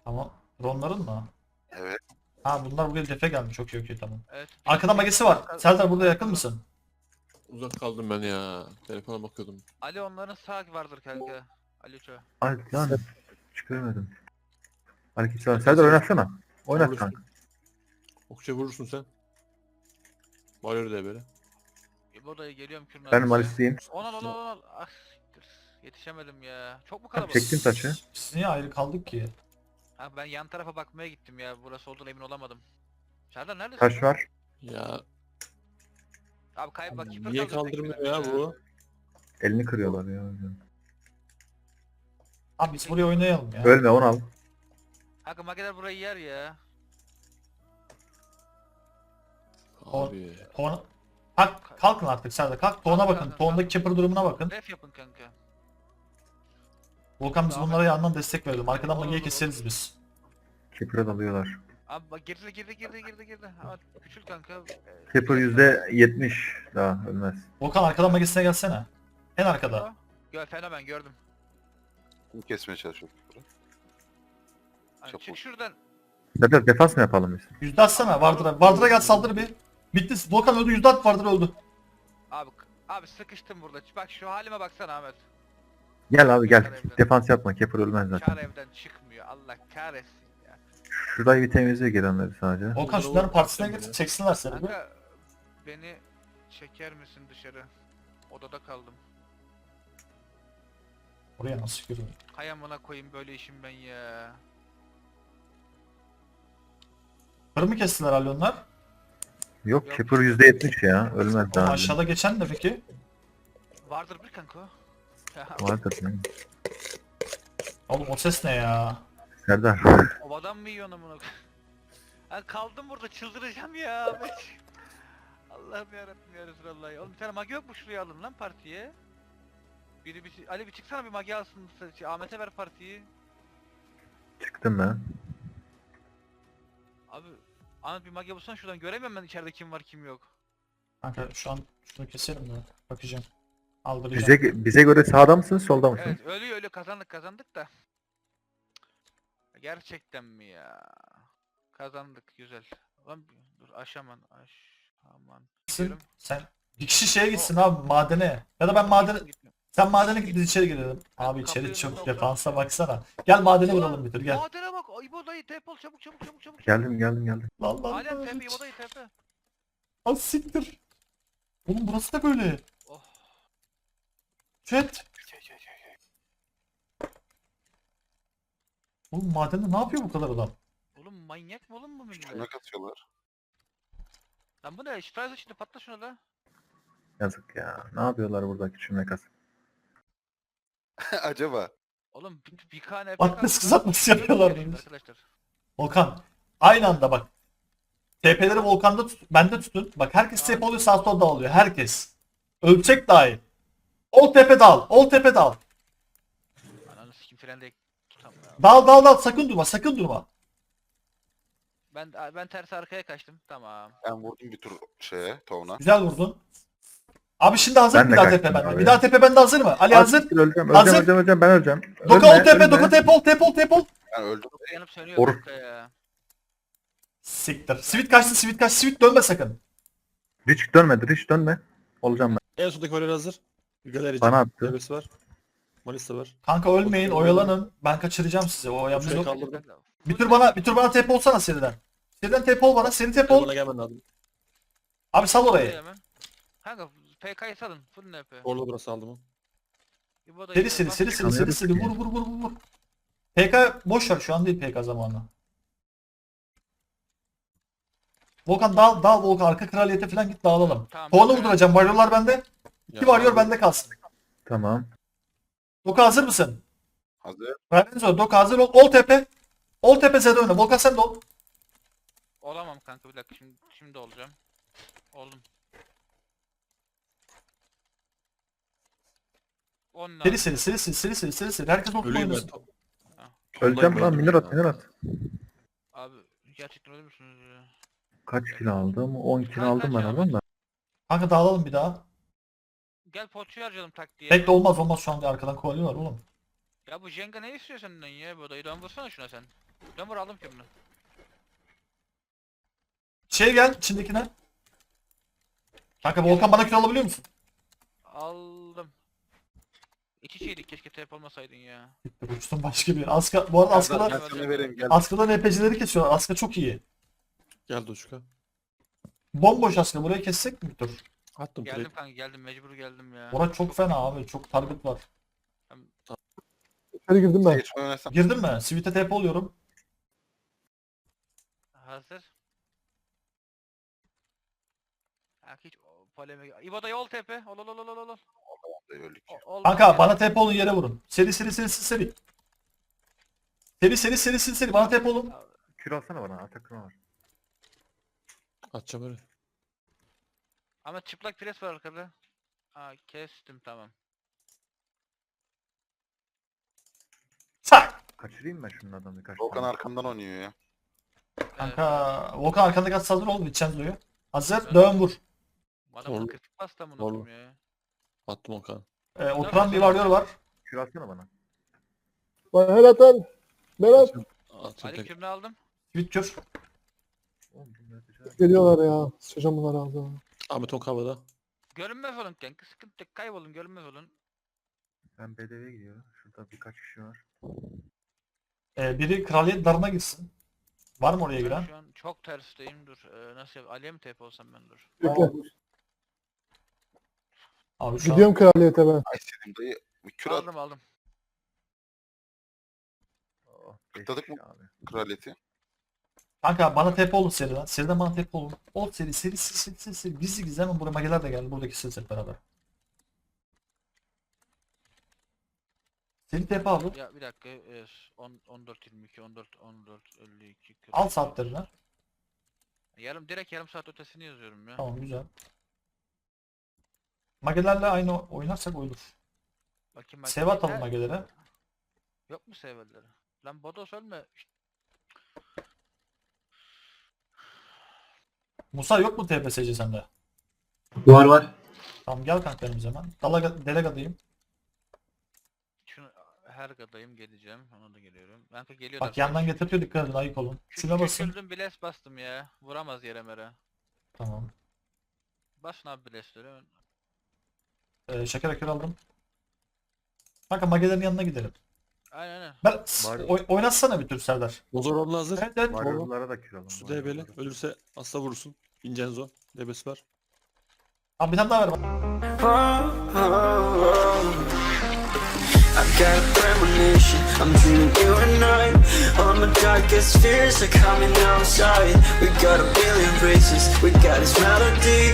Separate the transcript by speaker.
Speaker 1: Tamam. Dronların mı?
Speaker 2: Evet.
Speaker 1: Ha bunlar buraya defe gelmiş. Çok iyi, okey, tamam.
Speaker 3: Evet.
Speaker 1: Arkada magesi var. Serdar burada yakın mısın?
Speaker 4: Uzak kaldım ben ya. Telefona bakıyordum.
Speaker 3: Ali onların sağ vardır kanka. Ali Ço.
Speaker 5: Ay lan çıkaramadım. Aleykümselam. Serdar oynatsana. Oynat
Speaker 4: Vurursun.
Speaker 5: kanka.
Speaker 4: Okça vurursun sen. Varıyor da böyle.
Speaker 3: İbo'da geliyorum kürün
Speaker 5: Ben
Speaker 3: arkasına.
Speaker 5: Malis'liyim.
Speaker 3: Onal. Ah siktir. Yetişemedim ya. Çok mu
Speaker 5: Bak,
Speaker 3: kalabalık?
Speaker 5: çektim taşı.
Speaker 1: Biz niye ayrı kaldık ki?
Speaker 3: Ha, ben yan tarafa bakmaya gittim ya. Burası olduğuna emin olamadım. Serdar neredesin?
Speaker 5: Taş var.
Speaker 4: Ya
Speaker 3: Abi kayıp bak. keeper
Speaker 4: niye
Speaker 3: kalacak
Speaker 4: kaldırmıyor
Speaker 3: benim
Speaker 4: ya bu?
Speaker 5: Elini kırıyorlar ya.
Speaker 1: Abi biz buraya oynayalım ya.
Speaker 5: Ölme onu al.
Speaker 3: Kanka mageler burayı yer ya.
Speaker 4: Abi.
Speaker 1: Tona... Kalkın artık Serdar. Kalk. Tona bakın. Tondaki keeper durumuna bakın.
Speaker 3: Ref yapın kanka.
Speaker 1: Volkan biz bunlara yandan destek verelim. Arkadan magiye keseriz biz.
Speaker 5: Keeper'a dalıyorlar.
Speaker 3: Abi bak girdi. Ama küçül kanka.
Speaker 5: Keeper %70 daha ölmez.
Speaker 1: Volkan arkadan magesine gelsene. En arkada.
Speaker 3: Gör fenomen gördüm.
Speaker 2: Bunu kesmeye çalışıyorum.
Speaker 3: Hani
Speaker 2: Çok
Speaker 3: çık
Speaker 2: vur.
Speaker 3: şuradan.
Speaker 5: Serdar defans mı yapalım biz?
Speaker 1: Yüzde atsana. Vardır'a. Vardır'a gel saldır bir. Bitti. Volkan öldü. Yüzde at. Vardır öldü.
Speaker 3: Abi sıkıştım burada. Bak şu halime baksana Ahmet.
Speaker 5: Gel abi gel.
Speaker 3: Kar evden.
Speaker 5: Defans yapma. Keeper ölmez
Speaker 3: Kar
Speaker 5: zaten.
Speaker 3: evden çıkmıyor. Allah kahretsin ya.
Speaker 5: Şurayı bir temizle gelenleri sadece.
Speaker 1: Volkan şunların partisine git. Çeksinler seni bir.
Speaker 3: Kanka beni çeker misin dışarı? Odada kaldım.
Speaker 1: Oraya nasıl görüyorum?
Speaker 3: Hay amına koyayım böyle işim ben ya.
Speaker 1: Kır mı kestiler Ali onlar?
Speaker 5: Yok
Speaker 3: Yok.
Speaker 5: Keeper %70 ya. Ölmez
Speaker 1: Oğlum
Speaker 5: daha.
Speaker 1: aşağıda geçen de peki?
Speaker 3: Vardır bir kanka o.
Speaker 5: Vardır yani.
Speaker 1: Oğlum o ses ne ya?
Speaker 5: Serdar.
Speaker 3: Obadan mı yiyorsun amına koyayım? Ha, kaldım burada çıldıracağım ya Ahmet. Allah'ım yarabbim ya Resulallah ya. Oğlum bir tane magi yok mu şuraya alın lan partiye? Ali bir çıksana bir magi alsın. Ahmet'e ver partiyi.
Speaker 5: Çıktım ben.
Speaker 3: Abi Ahmet bir magi bulsana şuradan göremiyorum ben içeride kim var kim yok.
Speaker 1: Kanka şu an şunu keselim de bakacağım. Aldıracağım.
Speaker 5: Bize göre sağda mısınız solda mısınız?
Speaker 3: Evet ölüyor kazandık da. Gerçekten mi ya? Kazandık güzel. Lan dur aşaman.
Speaker 1: Sen bir kişi şeye gitsin abi madene. Ya da ben madene... Sen madene git biz içeri girelim. Abi içeri
Speaker 3: kapıyı
Speaker 1: çok
Speaker 3: önüne
Speaker 1: defansa baksana. Gel madene vuralım bir tur gel.
Speaker 3: Madene bak İbo dayı tep ol çabuk.
Speaker 5: Geldim.
Speaker 1: Lan lan
Speaker 3: Alem
Speaker 1: lan.
Speaker 3: tepe İbo dayı tepe.
Speaker 1: Az siktir. Oğlum burası da böyle.
Speaker 3: Oh.
Speaker 1: Chat. Oğlum madende ne yapıyor bu kadar adam?
Speaker 3: Oğlum manyak mı oğlum bu millet?
Speaker 2: Şuna katıyorlar.
Speaker 3: Lan bu ne? Şifre şimdi patla şuna da.
Speaker 5: Yazık ya. Ne yapıyorlar burada küçülme kas?
Speaker 2: Acaba.
Speaker 3: Oğlum bir kane
Speaker 1: Bak nasıl kızartması yapıyorlar bunu.
Speaker 3: arkadaşlar.
Speaker 1: Volkan. Aynı anda bak. TP'leri Volkan'da tut. Bende tutun. Bak herkes TP oluyor sağ sol dağılıyor. Herkes. Ölçek dahil. Ol tepe dal. Ol tepe dal.
Speaker 3: Ananı sikim frende tutamıyorum.
Speaker 1: Dal. Sakın durma.
Speaker 3: Ben ters arkaya kaçtım. Tamam.
Speaker 2: Ben vurdum bir tur şeye, Tovna.
Speaker 1: Güzel vurdun. Abi şimdi hazır
Speaker 5: Ben
Speaker 1: bir
Speaker 5: de
Speaker 1: daha
Speaker 5: kaçtım
Speaker 1: tepe bende.
Speaker 5: abi.
Speaker 1: Bir daha tepe bende hazır mı? Ali hazır.
Speaker 5: Öleceğim.
Speaker 1: Hazır.
Speaker 5: Ben öleceğim.
Speaker 1: Doka ol tepe.
Speaker 5: Ölme.
Speaker 1: Doka tep ol.
Speaker 2: Ben öldüm.
Speaker 3: Yanıp sönüyor
Speaker 5: Or-
Speaker 3: kanka ya.
Speaker 1: Siktir. Sweet kaçtı. Sweet dönme sakın.
Speaker 5: Hiç dönme. Olacağım ben.
Speaker 4: En sondaki valer hazır. Galerici.
Speaker 5: Bana attı.
Speaker 4: Galerici var. Malis de var.
Speaker 1: Kanka ölmeyin. Oyalanın. Ben kaçıracağım sizi. O yapmış
Speaker 4: Şuraya
Speaker 1: yok.
Speaker 4: kaldırdım.
Speaker 1: Bir tur bana tepe olsana seriden. Seriden tepe ol bana. Seri tepe ol.
Speaker 4: Bana gelmen lazım.
Speaker 1: Abi sal orayı.
Speaker 3: Hemen. Kanka PK'yı salın. Full NP.
Speaker 4: Orada burası aldım o.
Speaker 3: İbo da
Speaker 1: Seri. Vur. PK boş ver şu an değil PK zamanı. Volkan dal Volkan arka kraliyete falan git dağılalım.
Speaker 3: Tamam,
Speaker 1: Puanı
Speaker 3: ben-
Speaker 1: vurduracağım. Varyorlar bende.
Speaker 4: Ya,
Speaker 1: Bir varıyor bende kalsın.
Speaker 5: Tamam.
Speaker 1: Doka hazır mısın?
Speaker 2: Hazır.
Speaker 1: Verdiniz o. Doka hazır ol. Ol tepe. Ol tepe Z'de oyna. Volkan sen de ol.
Speaker 3: Olamam kanka bir dakika şimdi olacağım. Oldum. 10
Speaker 1: Seri. Herkes ol
Speaker 4: Ölüyüm ben.
Speaker 1: oynasın.
Speaker 5: Öleceğim lan. Minir at.
Speaker 3: Abi gerçekten ölür müsünüz ya?
Speaker 5: Kaç kilo aldım? 10 kilo aldım ben adam da.
Speaker 1: Kanka dağılalım bir daha.
Speaker 3: Gel poçu harcayalım tak diye.
Speaker 1: Tek de olmaz şu an diye arkadan kovalıyorlar oğlum.
Speaker 3: Ya bu Jenga ne istiyor senden ya bu odayı? Dön vursana şuna sen. Ben vur aldım kürünü.
Speaker 1: Şey gel içindekine. Kanka Volkan bana kür alabiliyor musun?
Speaker 3: Aldım. İç içeydik keşke TP olmasaydın ya.
Speaker 1: Uçtum başka bir. Aska, bu arada
Speaker 2: Ben
Speaker 1: Aska'dan,
Speaker 2: sana vereyim gel.
Speaker 1: Aska'dan NPC'leri kesiyorlar. Aska çok iyi.
Speaker 4: Gel Doçka.
Speaker 1: Bomboş Aska. Burayı kessek mi bir tur?
Speaker 4: Attım
Speaker 3: Geldim
Speaker 4: trade.
Speaker 3: kanka geldim mecbur geldim ya.
Speaker 1: Orası çok fena abi. Çok target var.
Speaker 6: İçeri girdim ben.
Speaker 2: Geç oynasam.
Speaker 1: Girdin mi? Sweet'e TP oluyorum.
Speaker 3: Hazır. Ha hiç polemik. İbo'da yol tepe. Ol ol ol ol ol ol.
Speaker 2: Öldük.
Speaker 3: Ol
Speaker 1: Kanka bana TP olun yere vurun. Seri seri seri seri. Seri. Bana TP olun.
Speaker 5: Kür alsana bana. Atakına var.
Speaker 4: Atacağım öyle.
Speaker 3: Ama çıplak pres var arkada. Aa kestim tamam.
Speaker 1: Tak.
Speaker 5: Kaçırayım ben şunlardan birkaç
Speaker 2: Volkan
Speaker 5: tane.
Speaker 2: arkamdan oynuyor ya.
Speaker 1: Kanka Volkan arkanda kaç hazır ol. Vincenzo'yu. Hazır. Dön vur.
Speaker 3: Adam
Speaker 4: Doğru.
Speaker 3: kritik bastı amına
Speaker 4: Doğru.
Speaker 3: koyayım ya.
Speaker 4: Attım Okan.
Speaker 1: Oturan bir varıyor var.
Speaker 5: Kür alsana bana.
Speaker 6: Bana helal at. Berat.
Speaker 4: Atayım
Speaker 3: Ali
Speaker 4: tek.
Speaker 3: kürünü aldım.
Speaker 1: Sweet kür.
Speaker 5: Oğlum bu ne yapacak?
Speaker 6: Geliyorlar ya. Sıçacağım bunları ağzına.
Speaker 4: Ahmet on havada.
Speaker 3: Görünmez olun kanka. Sıkıntı yok. Kaybolun görünmez olun.
Speaker 5: Ben BDV'ye gidiyorum. Şurada birkaç kişi var.
Speaker 1: Biri kraliyet darına gitsin. Var mı oraya
Speaker 3: Ben
Speaker 1: giren?
Speaker 3: şu an çok tersteyim dur. Nasıl yap? Ali'ye mi TP olsam ben dur.
Speaker 6: Bekle.
Speaker 1: Abi şu an
Speaker 6: Gidiyorum kraliyete ben.
Speaker 2: Ay senin dayı. Bir kür at.
Speaker 3: Aldım.
Speaker 5: Oh, beş
Speaker 2: Tıkladık
Speaker 5: kişi
Speaker 2: mı?
Speaker 5: abi.
Speaker 2: Kraliyeti.
Speaker 1: kanka bana TP olun seriden. Seriden bana TP olun. Ol seri. Gizli gizli hemen buraya mageler de geldi. Buradaki set beraber. Seri TP abi.
Speaker 3: Ya bir dakika. 14 22 14 52 40.
Speaker 1: Al saatlerini.
Speaker 3: Direkt yarım saat ötesini yazıyorum ya.
Speaker 1: Tamam güzel. Magelerle aynı oynarsak olur.
Speaker 3: Bakayım
Speaker 1: Save atalım
Speaker 3: Ha,
Speaker 1: magelere.
Speaker 3: Yok mu severleri? Lan Bodos ölme.
Speaker 1: Musa yok mu TPSC sende?
Speaker 7: Var.
Speaker 1: Tamam gel kanka benim zaman. Delegadayım.
Speaker 3: Şunu her gadayım geleceğim. Ona da geliyorum. Kanka geliyorlar.
Speaker 1: Bak yandan getirtiyor dikkat edin ayık olun. Şuna basın.
Speaker 3: Küçüldüm biles bastım ya. Vuramaz yere mere.
Speaker 1: Tamam.
Speaker 3: Basın abi bilesleri.
Speaker 1: Şeker akör aldım. Kanka magelerin yanına gidelim.
Speaker 3: Aynen.
Speaker 1: Ben
Speaker 5: Var.
Speaker 1: oynatsana bir tür Serdar.
Speaker 4: Bozor onunla hazır.
Speaker 1: Evet.
Speaker 5: Varyolara da kür alın.
Speaker 4: Su DB'li. Ölürse asla vurursun. Vincenzo. DB'si var.
Speaker 1: Abi bir tane daha ver.
Speaker 8: I got a premonition, I'm dreaming you and I. All my darkest fears are coming outside. We got a billion races, we got this melody.